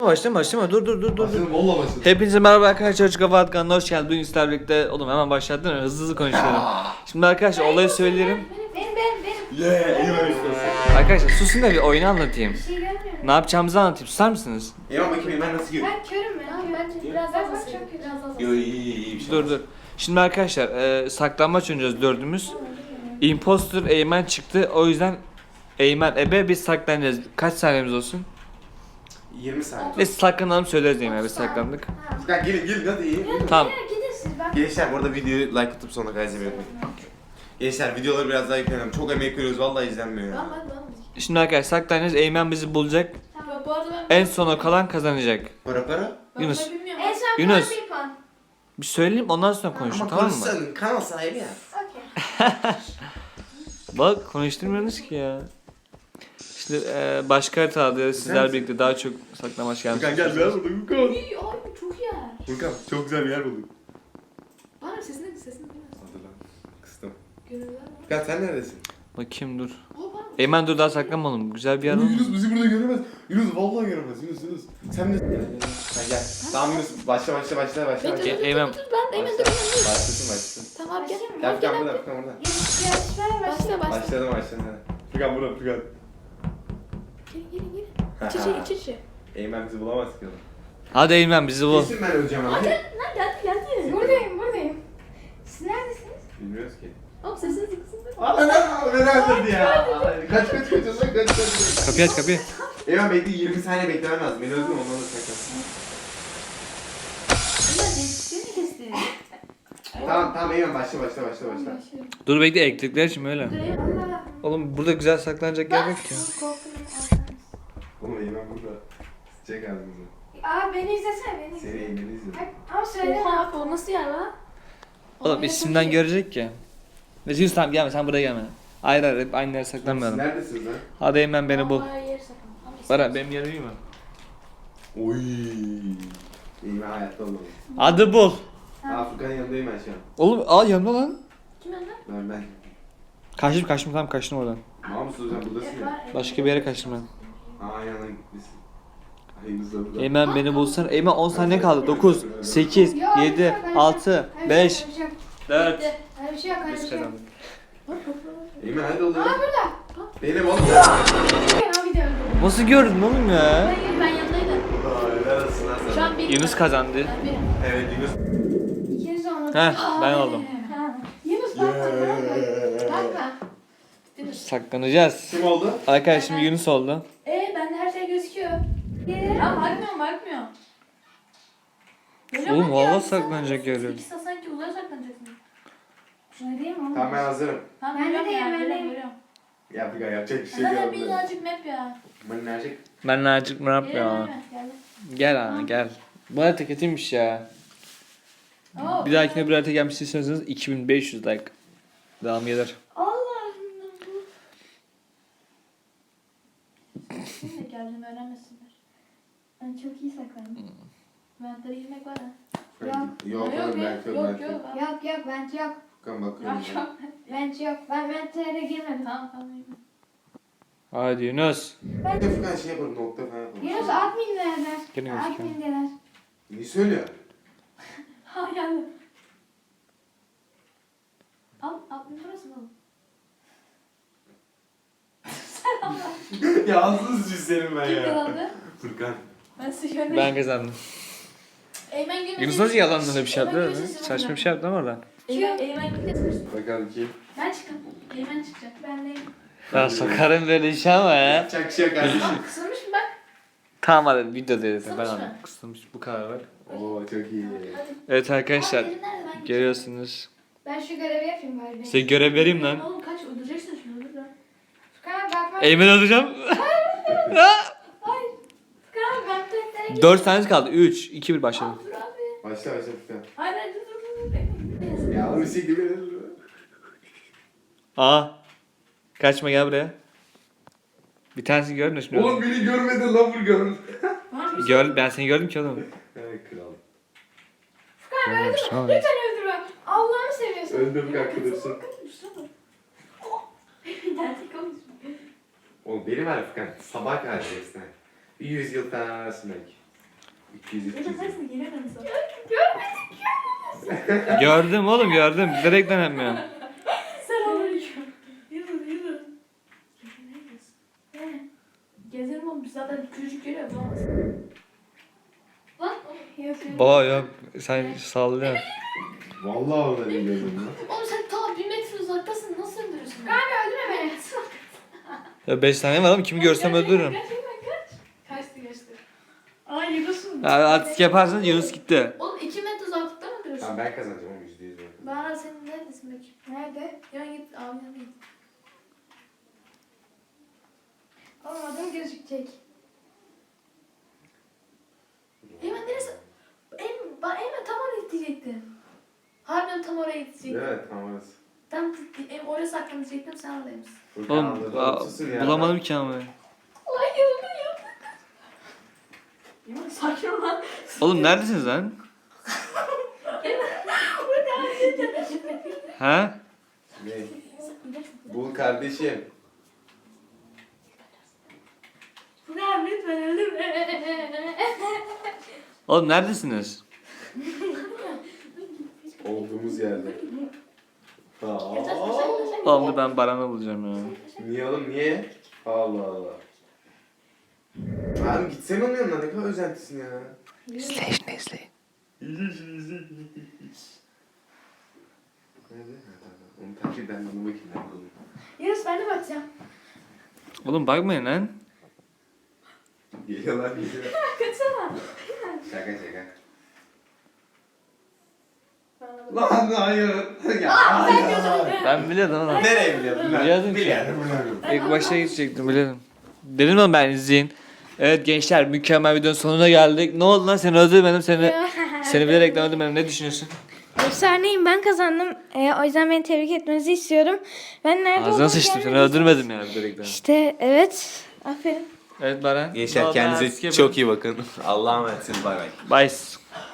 Başlama. Dur. Başladım, valla başladım. Hepinize merhaba arkadaşlar. Çocuk Kafa Atkan'da hoş geldiniz. Bugün sizlerle birlikte... Oğlum hemen başlattın mı? Hızlı konuşalım. Şimdi arkadaşlar olayı söyleyelim. Benim. Yeah, iyi ben Arkadaşlar susun da bir oyunu anlatayım. Bir şey görmüyorum. Ne yapacağımızı anlatayım. Susar mısınız? Ya bakayım ben nasıl görüyorum? Ben körüm ben. Tamam bence biraz daha basayım. Biraz daha Yo iyi bir şey. Dur. Şimdi arkadaşlar saklanmaç oynayacağız dördümüz. Imposter Eymen çıktı. O yüzden Eymen Ebe biz saklanacağız. Kaç saniyemiz olsun? 20 saniye. Biz saklanalım söyleriz Eymen biz saklandık. Furkan gelin hadi iyi. Tamam. Gidin siz ben. Gençler bu arada videoyu like atıp sonuna kadar izlemeyi unutmayın. Gençler videoları biraz daha yüklenelim. Çok emek veriyoruz vallahi izlenmiyor ya. Tamam. Şimdi arkadaşlar saklanacağız. Eymen bizi bulacak. Tamam. Bu arada ben En sona kalan kazanacak. Para? Yunus. En son Yunus. puan bir puan. Bir söyleyeyim ondan sonra konuşun tamam mı? konuşsana, kanal sahibi ya. Okey. Bak konuşturmuyorsunuz ki ya. Şimdi başka haritada sizler birlikte daha çok saklamaç gelmiş. Furkan gel bir yer bulduk Furkan. İyi abi çok iyi yer. Furkan çok güzel bir yer bulduk. Bana sesini duymasın. Hadi lan. Kıstım. Gönüller var. Furkan sen neredesin? Bakayım dur. O bana. Eymen dur daha saklanmalım. Güzel bir yer oldu. Yunus bizi burada göremez. Yunus vallahi göremez. Yunus. Sen de... Gel. Tamam Yunus başla. Eymen. Ben de hemen dur. Başlasın. Tamam gel. Gel Furkan burada. Yarışmaya başla. Başladım. Furkan burada. Gelin. İç. Eymen bizi bulamaz ki. Hadi Eymen bizi bul. Kesin ben öleceğim abi. Lan geldi. Buradayım. Siz neredesiniz? Bilmiyoruz ki. Oğlum sesiniz kısıldı. Beni öldürdü ya. Kaç. Kapıyı aç kapıyı. Eymen bekle 20 saniye beklemen lazım. Beni öldürme ondan da sakın. Seni kesti. Tamam Eymen başla. Dur bekle elektrikler için öyle. Oğlum burada güzel saklanacak yer yok ki. Oğlum Eymen burada. Sıcak ağzımızı. Abi beni izlesene Seni Eymen'i izliyorum. Ama söyle. Oha abi o nasıl yer lan? Oğlum isimden görecek ki. Neyse Yunus tamam gelme sen buraya gelme. Hayır hep aynı yere saklanmayalım. Neredesiniz lan? Hadi Eymen beni bul. Yer sakın. Bana benim yerim iyi mi? Oy. Eymen hayatta olmadı. Hadi bul. Furkan'ın yanındayım ben şu an. Oğlum yanımda lan. Kim önden? Ben. Kaçtım tamam kaçtım oradan. Mahmut hocam buradasın ya. Başka bir yere kaçtım ben. Aynen gitmişsin. Yunus da burada. Eymen beni bulsan. Eymen 10 saniye kaldı. 9, 8, 7, 6, 5, 4. Öyle bir şey yok. Biz kazandık. Eymen hadi oğlum. burada. Benim oğlum. Abi de öldü. Nasıl gördün oğlum ya? Ben yanındaydım. Helal olsun lan sana. Şu an benim. Yunus kazandı. Ben benim. Evet Yunus. İkiniz de onu. Heh ben oldum. Yunus bakma. Saklanacağız. Kim oldu? Arkadaş şimdi Yunus oldu. Bende her şey gözüküyor. Ya bakmıyor. Oğlum valla saklanacak yer yok. İkisi sanki uzaya saklanacaksın. Şuna değil mi oğlum? Tamam ben hazırım. Tamam, ben de deyim. Ya Furkan yapacak bir şey Zaten yok. birazcık map ya. Ben nerede? Ben Nacık ne yapıyor? Gel ana gel. Bu harita kötüymüş ya. Bir dahakine bir harita gelmiş istiyorsanız 2500 like. Devam gelir. Allah'ım bu. Şimdi geldiğimi öğrenmesinler. Ben çok iyi saklandım. Ventlere girmek var ha. Yok oğlum belki yok. Yok bence yok. Furkan bakıyorum. Bence yok. Ben ventlere girmedim. Tamam. Hadi Yunus. Bir de Furkan şey yapalım nokta falan yapalım. Yunus admin derler. Gene gözüküyor. Admin derler. Ne söylüyor? Ha geldim. Al burası mı? Yalnız cüzlerim ben Kim ya. kazandı? Furkan. Ben size görmedim. Ben kazandım. Eymen Gümüş. Yunus nasıl yalandan öyle bir şey yaptı öyle mi? Saçma bir şey yaptı ama oradan. Eymen Gümüş. Bakalım kim? Ben çıkın. Eymen çıkacak. Ben deyim. Ya sokarım böyle işe ama ya. Yapacak bir şey yok kardeşim. Aa, kısılmış mı bak? Tamam hadi video dedi. Ben Kısılmış anladım. mı? Kısılmış bu kadar var. Oo çok iyi. Evet arkadaşlar. Aa, benim nerede? Ben Görüyorsunuz. Ben şu görevi yapayım bari. Size görev vereyim lan. Oğlum kaç öldüreceksin şimdi öldür lan. Furkan bakma. Eymen alacağım. Furkan ben tuvaletlerine gittim. 4 tane kaldı. 3, 2, 1 başladım. Dur abi. Başla Furkan. Hayır dur. Ya oğlum siktir bir. Aa. Kaçma gel buraya. Bir tanesini gördün mü şimdi? Oğlum beni görmedin lan Furkan. Ben seni gördüm ki oğlum. Evet kral. Furkan öldürme. Tamam. Lütfen öldürme. Allah'ını seviyorsun. Öldüm arkadaşım. Gerçek konuşma. Oğlum benim var ya Furkan. Sabah karşıyasın. 100 yıl falan arasın belki. 200 Ya da 200. sensin gelemem sana. Gördüm oğlum gördüm. Direkt denemiyorum. Selamünaleyküm. Yürü. Ne? Gezerim oğlum biz zaten küçücük yere bulamaz. Lan yok. Baba yok sen sallıyorsun. Vallahi orada değil gördüm lan. Oğlum sen ta 1 metre uzaktasın. Nasıl öldürürsün? Kanka öldürme beni. Ya 5 tane var ama kimi görsem öldürürüm. Kaçtı. Aa Yunus'un. Ya artist yaparsanız Yunus gitti. Oğlum 2 metre uzaklıkta mı duruyorsun? Tamam ben kazanacağım oğlum %100 ben. Bana senin neredesin bakayım? Nerede? Yan git abi yan git. Oğlum adım gözükecek. Hemen neresi? Hemen tam oraya gidecektin. Harbiden tam oraya gidecektin. Evet tamam orası. Tam oraya saklanacaktım sen oradaymışsın. Furkan Oğlum anladı, susun ya. bulamadım ki ama. Ay yıldım. Yunus sakin ol lan. Oğlum neredesiniz lan? Ha? Ne? Bul kardeşim. Furkan lütfen öldürme. Oğlum neredesiniz? Olduğumuz yerde. Oğlum dur ben Baran'ı bulacağım ya. Niye oğlum niye? Allah Allah. Abi gitsene onun yanına ne kadar özentisin ya. İzleyin izleyin. Nerede? Ha, tamam. Onu takip ben de onu bakayım nerede olduğunu. Yunus ben de bakacağım. Oğlum bakmayın lan. Geliyorlar geliyor. Kaçsana. Şaka şaka. Bana bak. Lan hayır. Ya hayır. Ben biliyordum oğlum. Nereye biliyordun lan? Biliyordum ki. Biliyordum. İlk başta gidecektim biliyordum. Dedim ama ben izleyin. Evet gençler mükemmel videonun sonuna geldik. Ne oldu lan seni öldürmedim seni bilerek de öldürmedim. Ne düşünüyorsun? Efsaneyim ben kazandım. O yüzden beni tebrik etmenizi istiyorum. Ben nerede Ağzına olduğumu sıçtım seni görmedim. öldürmedim yani bilerek de. İşte evet. Aferin. Evet Baran. Gençler kendinize çok iyi bakın. Allah'a emanetsiniz. Bay bay. Bye.